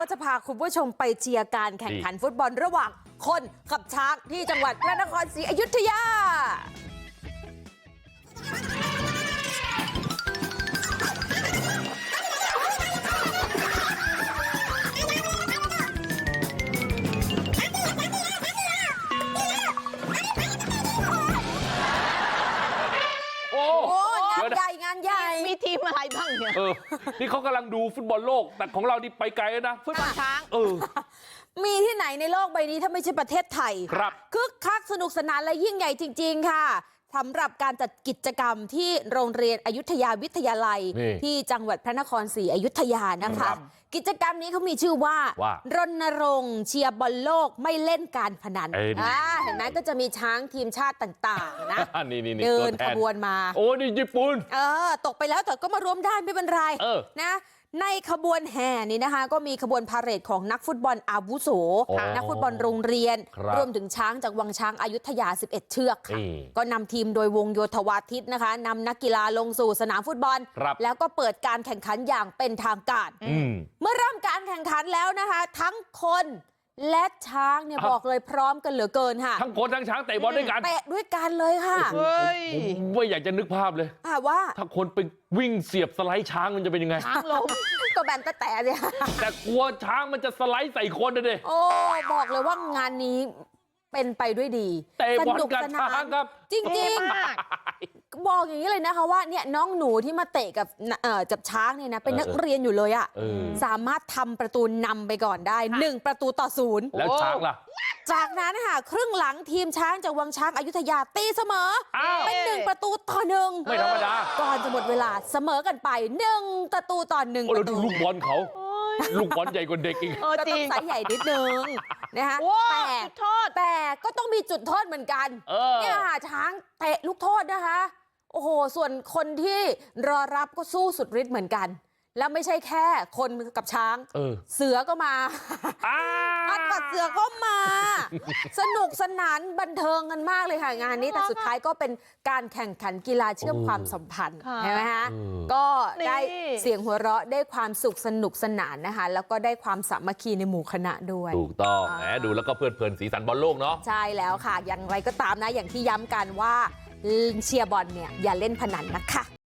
ก็จะพาคุณผู้ชมไปเชียร์การแข่งขันฟุตบอลระหว่างคนกับช้างที่จังหวัดพระนครศรีอยุธยาโอ้งานใหญ่มีทีมอะไรบ้างเนี่ยนี่เขากำลังดูฟุตบอลโลกแต่ของเรานี่ไปไกลแล้วนะฟุตบอลช้างมีที่ไหนในโลกใบนี้ถ้าไม่ใช่ประเทศไทยครับคึกคักสนุกสนานและยิ่งใหญ่จริงๆค่ะสำหรับการจัดกิจกรรมที่โรงเรียนอยุธยาวิทยาลัยที่จังหวัดพระนครศรีอยุธยานะคะกิจกรรมนี้เขามีชื่อว่ารณรงค์เชียร์บอลโลกไม่เล่นการพนันเห็นไหมก็จะมีช้างทีมชาติต่างๆนะเดินขบวนมาโอ้นี่ญี่ปุ่นตกไปแล้วแต่ก็มารวมได้ไม่เป็นไรนะในขบวนแห่นี้นะคะก็มีขบวนพาเหรดของนักฟุตบอลอาวุโสนักฟุตบอลโรงเรียนรวมถึงช้างจากวังช้างอยุธยา11เชือกค่ะก็นำทีมโดยวงโยธวาทิตนะคะนำนักกีฬาลงสู่สนามฟุตบอลแล้วก็เปิดการแข่งขันอย่างเป็นทางการเมื่อเริ่มการแข่งขันแล้วนะคะทั้งคนและช้างเนี่ยบอกเลยพร้อมกันเหลือเกินค่ะทั้งคนทั้งช้างเตะบอลด้วยกันเตะด้วยกันเลยค่ะผมไม่อยากจะนึกภาพเลยว่าถ้าคนไปวิ่งเสียบสไลด์ช้างมันจะเป็นยังไงช้างล้มก็แบนแต่เนี่ยแต่กลัวช้างมันจะสไลด์ใส่คนนะดิโอ้บอกเลยว่างานนี้เป็นไปด้วยดีเตะบอลกับช้างครับจริงๆบอกอย่างนี้เลยนะคะว่าเนี่ยน้องหนูที่มาเตะกับช้างเนี่ยนะเป็นนักเรียนอยู่เลยอ่ะสามารถทำประตูนำไปก่อนได้1-0 แล้วช้างล่ะจากนั้นค่ะครึ่งหลังทีมช้างจากวังช้างอยุธยาตีเสมอเป็น1-1 ไม่ธรรมดาก่อนจะหมดเวลาเสมอกันไป1-1 เราดูลูกบอลเขาลูกบอลใหญ่กว่าเด็กอีกก็ต้องไซส์ใหญ่นิดนึงนะคะแต่ก็ต้องมีจุดโทษเหมือนกันเนี่ยช้างเตะลูกโทษนะคะโอ้โหส่วนคนที่รอรับก็สู้สุดฤทธิ์เหมือนกันแล้วไม่ใช่แค่คนกับช้างเสือก็มาอัดกับเสือก็มาสนุกสนานบันเทิงกันมากเลยค่ะงานนี้แต่สุดท้ายก็เป็นการแข่งขันกีฬาเชื่อมความสัมพันธ์ใช่ไหมคะก็ได้เสียงหัวเราะได้ความสุขสนุกสนานนะคะแล้วก็ได้ความสามัคคีในหมู่คณะด้วยถูกต้องแหมดูแล้วก็เพลิดเพลินสีสันบอลโลกเนาะใช่แล้วค่ะอย่างไรก็ตามนะอย่างที่ย้ำกันว่าเชียร์บอลเนี่ยอย่าเล่นพนันนะคะ